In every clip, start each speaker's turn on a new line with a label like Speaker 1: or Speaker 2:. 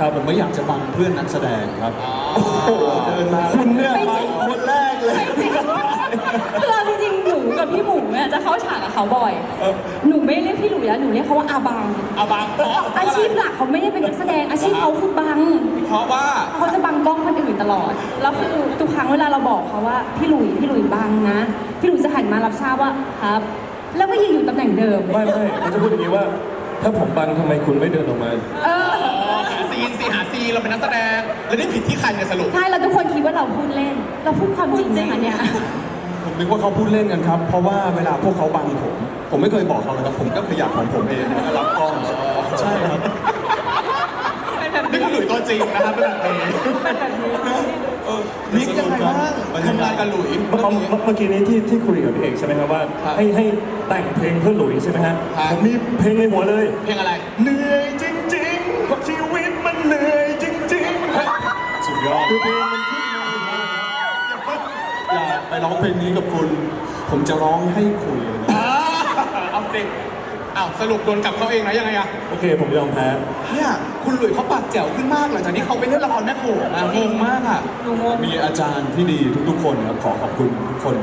Speaker 1: ผมไม่อยากจะบังเพื่อนนักแสดงครับโอ้โหเดินมา
Speaker 2: คุณเนี่ย
Speaker 3: ไม่จริง
Speaker 1: คนแรกเลย
Speaker 3: คือเอาจริงๆหนูกับพี่หมูเนี่ยจะเข้าฉากกับเขาบ่อย หนูไม่เรียกพี่หลุยแล้วหนูเรียกเขาว่าอาบัง
Speaker 2: เอาบังเพราะ
Speaker 3: อาชีพหลักเขาไม่ได้เป็นนักแสดงอาชีพเขาคือบัง
Speaker 2: เพราะว่า
Speaker 3: เขาจะบังกล้องคนอื่นตลอด แล้วคือทุกครั้งเวลาเราบอกเขาว่าพี่หลุยบังนะ พี่หลุยจะหันมารับทราบว่าครับ แล้วก็ยืนอยู่ตำแหน่งเดิม
Speaker 4: ไม่เขาจะพูดอย่างนี้ว่า ถ้าผมบังทำไมคุณไม่เดินออกมา
Speaker 3: เออ
Speaker 2: หาซีนเราเป็นนักแสดงแล้วนี่ผิดที่ใครเนี่ยสรุป
Speaker 3: ใช่แล้วทุกคนคิดว่าเราพูดเล่น เราพูดความจริงนะคะเนี่ย
Speaker 1: ผมนึกว่าเขาพูดเล่นกันครับ เพราะว่าเวลาพวกเขาบังผมไม่เคยบอกเขาเลยครับ ผมก็ขยับของผมเองแล้วก็รับกล้องใช่ครับ
Speaker 2: นี่คือหลุยตัวจริงนะครับเป็นแบบนี้นิกยังไงบ้างทำงานกับหลุย
Speaker 4: เมื่อกี้นี้ที่คุยกับพี่เอกใช่ไหมครับว่าให้แต่งเพลงเพื่อหลุยใช่ไหมฮะผมมีเพลงในหัวเลย
Speaker 2: เพลงอะไร
Speaker 4: เหนื่อยจริงๆเพราะชีวิตมันเหนื่อยจริงๆ
Speaker 1: สุดยอด
Speaker 4: คือเพลงมันขึ้นมา
Speaker 1: อยากไปร้องเพลงนี้กับคุณ ผมจะร้องให้คุณเลยนะ
Speaker 2: เอาสิอ้าวสรุปโดนกลับเขาเองนะยังไงอะ
Speaker 4: โอเคผมยอมแพ้
Speaker 2: เนี่ยคุณหลุยเขาปากแจ๋วขึ้นมากหลังจากที่เขาไปเล่นละครแม่โขงอะงงมากอะ
Speaker 1: มีอาจารย์ที่ดีทุกๆคนครับขอขอบคุณทุกคน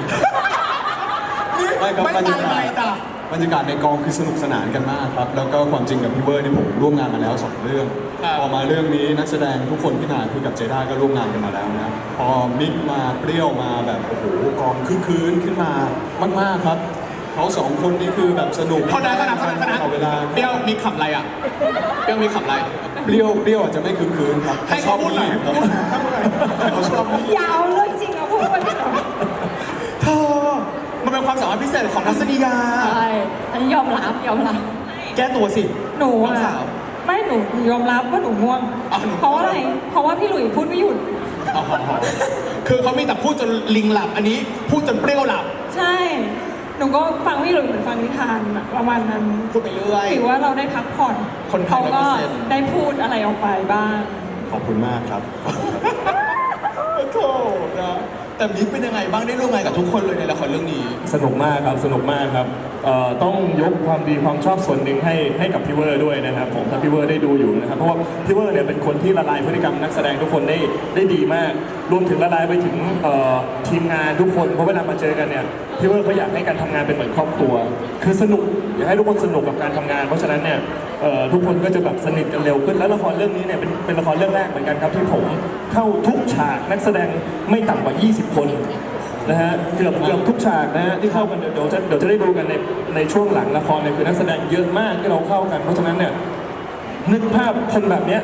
Speaker 1: ไม่ครับ
Speaker 2: ไม่
Speaker 1: บรร
Speaker 2: ตาย
Speaker 1: าย กา
Speaker 2: ไป
Speaker 1: ศ
Speaker 2: จ้ะ
Speaker 1: บรรยากาศในกองคือสนุกสนานกันมากครับ แล้วก็ความจริงกับพี่เวอร์นี่ผมร่วมงานมาแล้ว 2 เรื่อง พอมาเรื่องนี้นักแสดงทุกคนที่มาคือกับเจด้าก็ร่วมงานกันมาแล้วนะ พอมิกมาเปรี้ยวมาแบบโอ้โหกองคึกคืนขึ้นมามากๆครับเขา2 คนนี่คือแบบสนุก
Speaker 2: เท่านั้น
Speaker 1: ตลอดเวลา
Speaker 2: เปรี้ยวมีขำอะไรอะเปรี้ยวมีขำอะไร
Speaker 1: เปรี้ยวอาจจะไม่คึกคืนครับ
Speaker 2: ให้เขาพูดหน่อย
Speaker 1: ครับเขาชอบนี่
Speaker 3: อย่าเอาเรื่องจริงมาพูดมาดิ
Speaker 2: เธอมันเป็นความสามารถพิเศษของทัศนียา
Speaker 3: ใช่อันนี้ยอมรับ
Speaker 2: แก้ตัวสิ
Speaker 5: หนู
Speaker 2: น้อง
Speaker 5: อะ
Speaker 2: สาว
Speaker 5: ไม่หนูยอมรับว่าหนูง่วง
Speaker 2: อ้าวหนู
Speaker 5: เพราะว่าอะไร เพราะว่าพี่หลุยพูดไม่หยุด
Speaker 2: อ๋อคือเขามีแต่พูดจนลิงหลับ อันนี้พูดจนเปรี้ยวหลับ
Speaker 5: ใช่ หนูก็ฟังพี่หลุยเหมือนฟังนิทานอะประมาณนั้น
Speaker 2: พูดไปเรื่อย
Speaker 5: ถือว่าเราได้พักผ่อน
Speaker 2: คนไทย
Speaker 5: เขาก็
Speaker 2: 100%
Speaker 5: ได้พูดอะไรออกไปบ้าง
Speaker 1: ขอบคุณมากครับ
Speaker 2: โถนะแต่มิกเป็นยังไงบ้างได้ร่วมงานกับทุกคนเลยในละครเรื่องนี้
Speaker 4: สนุกมากครับสนุกมากครับต้องยกความดีความชอบส่วนหนึ่งให้กับพี่เวอร์ด้วยนะครับผมถ้าพี่เวอร์ได้ดูอยู่นะครับเพราะว่าพี่เวอร์เนี่ยเป็นคนที่ละลายพฤติกรรมนักแสดงทุกคนได้ดีมาก รวมถึงละลายไปถึงทีมงานทุกคนเพราะเวลามาเจอกันเนี่ยพี่เวอร์เขาอยากให้การทำงานเป็นเหมือนครอบครัว คือสนุกอยากให้ทุกคนสนุกกับการทำงาน เพราะฉะนั้นเนี่ยทุกคนก็จะแบบสนิทกันเร็วขึ้นแล้วละครเรื่องนี้เนี่ยเป็นละครเรื่องแรกเหมือนกันครับที่ผมเข้าทุกฉากนักแสดงไม่ต่ำกว่า 20 คนนะฮะเกือบทุกฉากนะฮะที่เข้ากันเดี๋ยวจะได้ดูกันในช่วงหลังละครเนี่ยคือนักแสดงเยอะมากที่เราเข้ากัน เพราะฉะนั้นเนี่ยนึกภาพคนแบบเนี้ย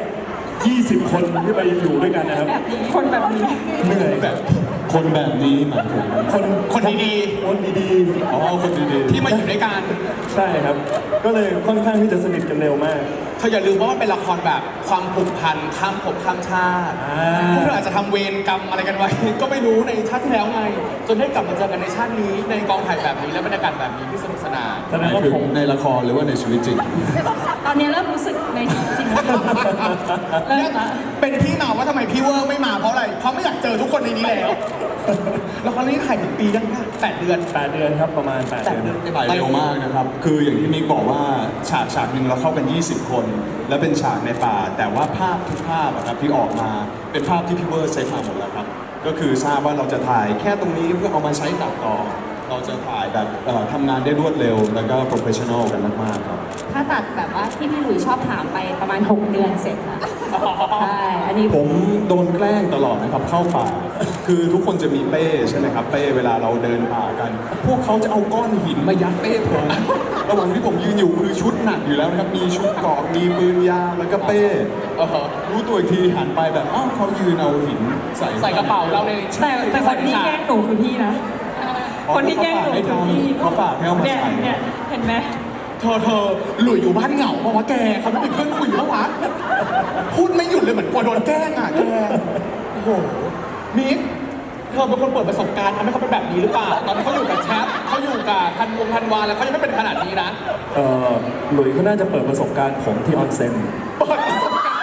Speaker 4: 20 คนที่ไปอยู่ด้วยกันนะครับ
Speaker 5: คนแบบนี้
Speaker 4: เหนื่อยแบบ
Speaker 1: คนแบบนี้หมายถึง
Speaker 2: คนดี
Speaker 4: คนดี
Speaker 1: อ๋อคนดี
Speaker 2: ๆ ที่มาอยู่ด้วยกัน
Speaker 4: ๆใช่ครับ ก็เลยค่อนข้างที่จะสนิทกันเร็วมาก
Speaker 2: เธออย่าลืมว่ามันเป็นละครแบบความผูกพันข้ามภพข้ามชาติพวกเธออาจจะทำเวรกรรมอะไรกันไว้ ก็ไม่รู้ในชาติที่แล้วไง จนได้กลับมาเจอกันในชาตินี้ในกองถ่ายแบบนี้และบรรยากาศแบบนี้ที่สนุกสนาน
Speaker 4: แส
Speaker 1: ๆห
Speaker 4: ด
Speaker 1: มาง ย
Speaker 4: ว่า
Speaker 1: ถึง
Speaker 4: ผม
Speaker 1: ในละครหรือว่าในชีวิตจริง
Speaker 3: ตอนนี้เริ่มรู้สึกในชีวิตจริงแล้วเริ่มละ
Speaker 2: เป็นที่มาว่าทำไมพี่เวอร์ไม่มาเพราะอะไร เพราะไม่อยากเจอทุกคนในนี้แล้ว ละครเรื่องนี้ถ่ายถึงปียังคะ8 เดือน
Speaker 4: 8 เดือนครับประมาณ 8 เดือน
Speaker 1: ไปเร็วมากนะครับ คืออย่างที่มิกบอกว่าฉากหนึ่งเราเข้ากัน 20 คน และเป็นฉากในป่า แต่ว่าภาพทุกภาพอะครับที่ออกมาเป็นภาพที่พี่เวอร์เซตมาหมดแล้วครับ ก็คือทราบว่าเราจะถ่ายแค่ตรงนี้เพื่อเอามาใช้ตัดต่อ เราจะถ่ายแบบทำงานได้รวดเร็ว แล้วก็โปรเฟชชั่นอลกันมากๆครับ
Speaker 3: ถ้าตัดแบบว่าที่พี่หลุยชอบถามไปประมาณ 6 เดือนเสร็จค่ะใช่ อันนี้
Speaker 1: ผมโดนแกล้งตลอดนะครับเข้าป่า คือทุกคนจะมีเป้ใช่ไหมครับเป้เวลาเราเดินป่ากัน พวกเขาจะเอาก้อนหินมายัดเป้ผมระหว่างที่ผมยืนอยู่คือชุดหนักอยู่แล้วนะครับ มีชุดเกราะมีปืนยาวแล้วก็เป้รู้ตัวอีกทีหันไปแบบอ้าวเขายืนเอาหินใส่
Speaker 2: ใส่กระเป๋าเราใน
Speaker 5: แต่คนที่แกล้งหนูคือพี่นะ คนที่แกล้งหนูคือพี่
Speaker 1: เขาฝากให้เอามา
Speaker 5: เนี่ย
Speaker 1: ใส่
Speaker 5: เนี่ยเห็นไหม
Speaker 2: เธอหลุยอยู่บ้านเหงาเพราะว่าแกเขาไม่เป็นเพื่อนคุยแล้ววะพูดไม่หยุดเลยเหมือนกลัวโดนแกล้งอ่ะแกโอ้โหมิกเธอเป็นคนเปิดประสบการณ์ทำให้เขาเป็นแบบนี้หรือเปล่าตอนที่เขาอยู่กับแชทเขาอยู่กับธันวาแล้วเขายังไม่เป็นขนาดนี้นะ
Speaker 4: หลุยส์เขาน่าจะเปิดประสบการณ์ผมที่ออนเซ็น
Speaker 2: เปิดประสบการณ์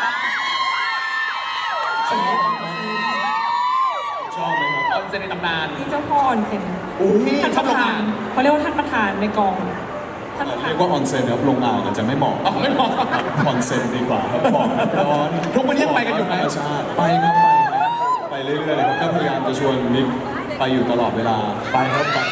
Speaker 1: ชอบไหมครับ
Speaker 2: ออนเซนในตำนาน
Speaker 5: ที่เจ้าพ่อออนเซ็น
Speaker 2: อุ้ย
Speaker 5: ท่าน
Speaker 2: ช
Speaker 5: ป
Speaker 2: อบ
Speaker 5: ระ
Speaker 2: โรง
Speaker 5: ธาง
Speaker 2: าน น
Speaker 5: เขาเรียกว่าท่านประธานในกอง
Speaker 1: เรียกว่าออนเซ็นครับลงอ่างอาจจะไม่เหมาะ
Speaker 2: อ๋อไม่เหมาะ
Speaker 1: ออนเซ็นดีกว่าครับบอกร้อน
Speaker 2: ทุกวันนี้ยังไปกันอยู่ไหม
Speaker 1: ธรรมชาติไปครับไปเรื่อยๆเลยครับก็พยายามจะชวนนิกไปอยู่ตลอดเวลาไปครับไป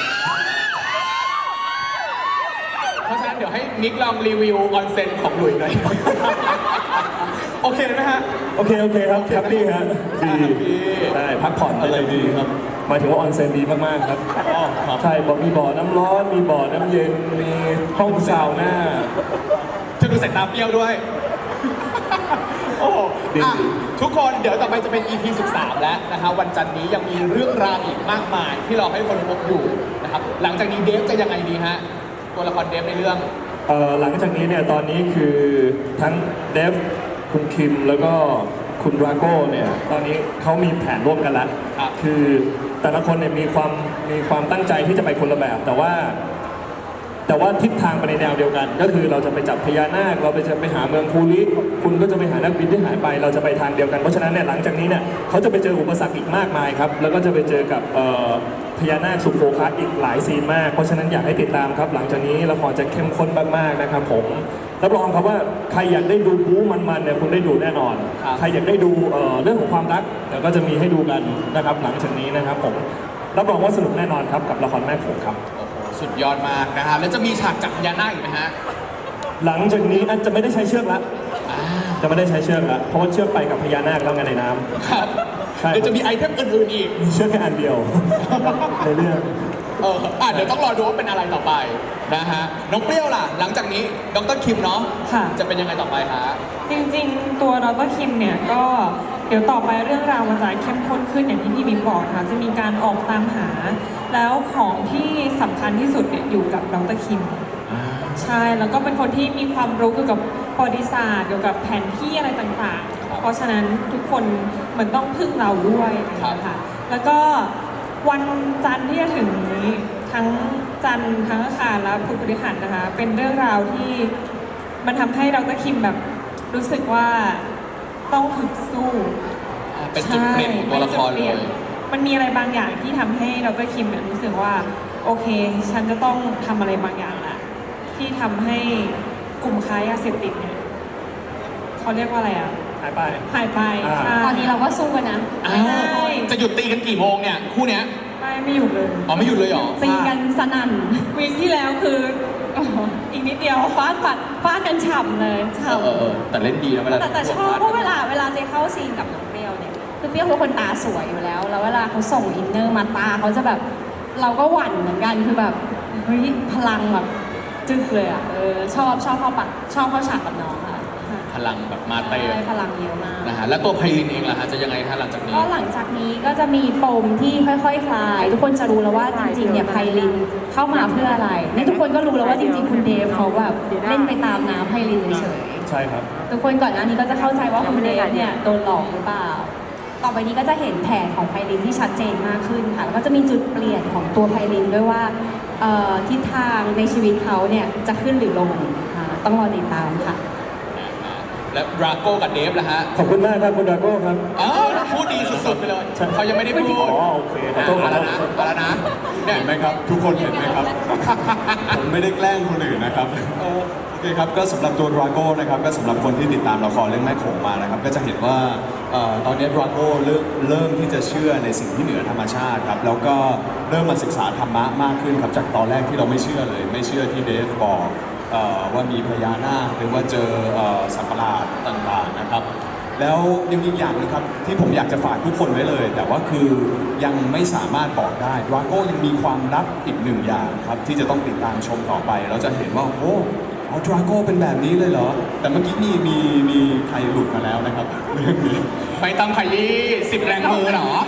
Speaker 2: เพราะฉะนั้นเดี๋ยวให้นิกลองรีวิวออนเซ็นของหลุยหน่อย โอเคไหมฮะ
Speaker 4: โอเคครับแฮปปี้ฮะดีได้พักผ่อน
Speaker 1: อะไรดีครับ
Speaker 4: หมายถึงว่าออนเซ็นดีมากๆครับ
Speaker 1: อ๋อครับ
Speaker 4: ใช่บอกมีบ่อน้ำร้อน มีบ่อน้ำเย็น มีห้องซาวน่า
Speaker 2: จะดูสายตาเปรี้ยวด้วย โอ้โห
Speaker 4: ดี
Speaker 2: อ่ะทุกคนเดี๋ยวต่อไปจะเป็น EP 13 แล้วนะครับวันจันทร์นี้ยังมีเรื่องราวอีกมากมาย ที่เราให้คนพบอยู่นะครับหลังจากนี้เดฟจะยังไงดีฮะตัวละครเดฟในเรื่อง
Speaker 4: หลังจากนี้เนี่ยตอนนี้คือทั้งเดฟคุณคิมแล้วก็คุณดราโก้เนี่ยตอนนี้เขามีแผนร่วมกันแล้ว
Speaker 2: ครับ
Speaker 4: คือแต่ละคนเนี่ยมีความตั้งใจที่จะไปคนละแบบ แต่ว่าทิศทางไปในแนวเดียวกัน ก็คือเราจะไปจับพญานาคเราจะไปหาเมืองคูลิคุณก็จะไปหานักบินที่หายไป เราจะไปทางเดียวกันเพราะฉะนั้นเนี่ยหลังจากนี้เนี่ยเขาจะไปเจออุปสรรคอีกมากมายครับแล้วก็จะไปเจอกับพญานาคสุโขคัสอีกหลายซีนมาก เพราะฉะนั้นอยากให้ติดตามครับ หลังจากนี้ละครจะเข้มข้นมากๆนะครับผมรับรองครับว่าใครอยากได้ดูบู๊มันๆเนี่ยคุณได้ดูแน่นอน
Speaker 2: ครับ
Speaker 4: ใครอยากได้ดูเรื่องของความรักเดี๋ยวก็จะมีให้ดูกันนะครับหลังจากนี้นะครับผมรับรองว่าสนุกแน่นอนครับกับละครแม่โขงครับ
Speaker 2: โอ้โหสุดยอดมากนะฮะแล้วจะมีฉากจับพญานาคอีกไหมฮะ
Speaker 4: หลังจากนี้จะไม่ได้ใช้เชือกละ
Speaker 2: อ่า
Speaker 4: จะไม่ได้ใช้เชือกละเพราะว่าเชือกไปกับพญานาคแล้วไงในน้ำ
Speaker 2: ครับ
Speaker 4: ใช่
Speaker 2: เดี๋ยวจะมีไอเทมอื่นๆอีก
Speaker 4: มีเชือกแค่อันเดียว ในเรื่อง
Speaker 2: เดี๋ยวต้องรอดูว่าเป็นอะไรต่อไปนะฮะ น้องเปรี้ยวล่ะ หลังจากนี้ดรคิมเนาะ
Speaker 5: ค่ะ
Speaker 2: จะเป็นยังไงต่อไปฮะ
Speaker 5: จริงๆ ตัวดรคิมเนี่ยก็เดี๋ยวต่อไปเรื่องราวมันจะเข้มข้นขึ้นอย่างที่พี่บิ๊กบอกค่ะจะมีการออกตามหา แล้วของที่สำคัญที่สุดเนี่ยอยู่กับดรคิมใช่แล้วก็เป็นคนที่มีความรู้เกี่ยวกับประวัติศาสตร์เกี่ยวกับแผนที่อะไรต่างๆ เพราะฉะนั้นทุกคนเหมือนต้องพึ่งเราด้วยนะคะแล้วก็วันจันทร์ที่จะถึงนี้ทั้งจันทร์ทั้งอังคารและพุธพฤหัสนะคะเป็นเรื่องราวที่มันทำให้ดรคิมแบบรู้สึกว่าต้องฝึกสู้
Speaker 2: เป็นจุดเปลี่ยนของตัวละคร
Speaker 5: ใช่
Speaker 2: เล
Speaker 5: ป็นจุดป
Speaker 2: ย
Speaker 5: นมันมีอะไรบางอย่างที่ทำให้ดรคิมเนี่ยรู้สึกว่าโอเค ฉันจะต้องทำอะไรบางอย่างละที่ทำให้กลุ่มค้ายาเสพติดเนี่ยเขาเรียกว่าอะไรอ่ะ
Speaker 4: หายไป
Speaker 5: หายไป
Speaker 4: อ่า
Speaker 5: ใช่
Speaker 3: ตอนนี้เราก็สู้กันนะ
Speaker 2: อ้าวจะหยุดตีกันกี่โมงเนี่ย คู่เนี้ย
Speaker 5: ไม่หยุดเลย
Speaker 2: อ๋อไม่หยุดเลยเหรอ
Speaker 3: ตีกันสนั่น
Speaker 5: วีคที่แล้วคืออีกนิดเดียว
Speaker 3: ฟาดกันฉ่ำเลยฉ่ำ
Speaker 2: แต่เล่นดีนะเวลา
Speaker 3: แต่ชอบเพราะเวลาเจเข้าซีนกับน้องเปรี้ยวเนี่ยคือเปรี้ยวเป็นคนตาสวยอยู่แล้ว แล้วเวลาเขาส่งอินเนอร์มาตาเขาจะแบบเราก็หวั่นเหมือนกันคือแบบเฮ้ยพลังแบบจึ๊กเลยอ่ะชอบเข้าปะชอบเข้าฉากกับน้องค่ะ
Speaker 2: พลังแบบมาเตะ
Speaker 3: ใช่พลังเยอะมาก
Speaker 2: นะฮะ แล้วตัวไพลินเองล่ะฮะ จะยังไงฮะหลังจากนี้
Speaker 3: ก็หลังจากนี้ก็จะมีปมที่ค่อยๆคลาย ทุกคนจะรู้แล้วว่าจริงๆเนี่ยไพลินเข้ามาเพื่ออะไรนี่ทุกคนก็รู้แล้วว่าจริงๆคุณเดฟเขาแบบเล่นไปตามน้ำไพลินเฉยๆ
Speaker 4: ใช่ครับ
Speaker 3: ทุกคนก่อนหน้านี้ก็จะเข้าใจว่าคุณเดฟเนี่ยโดนหลอกหรือเปล่า ต่อไปนี้ก็จะเห็นแผนของไพลินที่ชัดเจนมากขึ้นค่ะ แล้วก็จะมีจุดเปลี่ยนของตัวไพลินด้วยว่าทิศทางในชีวิตเขาเนี่ยจะขึ้นหรือลงต้องรอติดตามค่ะ
Speaker 2: และดราโก้กับเดฟล่ะฮะ
Speaker 4: ขอบคุณมากครับคุณดราโก้ครับ
Speaker 2: พูดดีสุดๆไปเลย
Speaker 4: ใช่
Speaker 2: เขายังไม่ได้พูด
Speaker 4: อ๋อโอเคขอโทษ
Speaker 2: มาแล้วนะมาแล้วนะเนี่ย
Speaker 1: เห็นไหมครับ ทุกคนเห็นไหมครับ ผมไม่ได้แกล้งคนอื่นนะครับโอเคครับก็สำหรับตัวดราโก้นะครับก็สำหรับคนที่ติดตามละครเรื่องแม่โขงมานะครับก็จะเห็นว่าตอนนี้ดราโก้เริ่มที่จะเชื่อในสิ่งที่เหนือธรรมชาติครับแล้วก็เริ่มมาศึกษาธรรมะมากขึ้นครับจากตอนแรกที่เราไม่เชื่อเลยไม่เชื่อที่เดฟบอกว่ามีพญานาคหรือว่าเจอสัตว์ประหลาดต่างๆนะครับแล้วยังมีอีกอย่างนึงครับที่ผมอยากจะฝากทุกคนไว้เลย แต่ว่าคือยังไม่สามารถบอกได้ดราโก้ยังมีความลับอีกหนึ่งอย่างครับที่จะต้องติดตามชมต่อไปเราจะเห็นว่าโอ้ดราโก้เป็นแบบนี้เลยเหรอแต่เมื่อกี้มีใครหลุดมาแล้วนะครับเรื่องนี้
Speaker 2: ไม่ต้องขยี้10 แรงมือเหรอ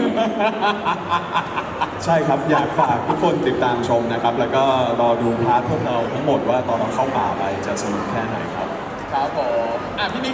Speaker 1: ใช่ครับอยากฝากทุกคนติดตามชมนะครับ แล้วก็รอดูพาร์ทพวกเราทั้งหมดว่าตอนเราเข้าป่าไปจะสนุกแค่ไหนครับ
Speaker 2: ครับผมพี่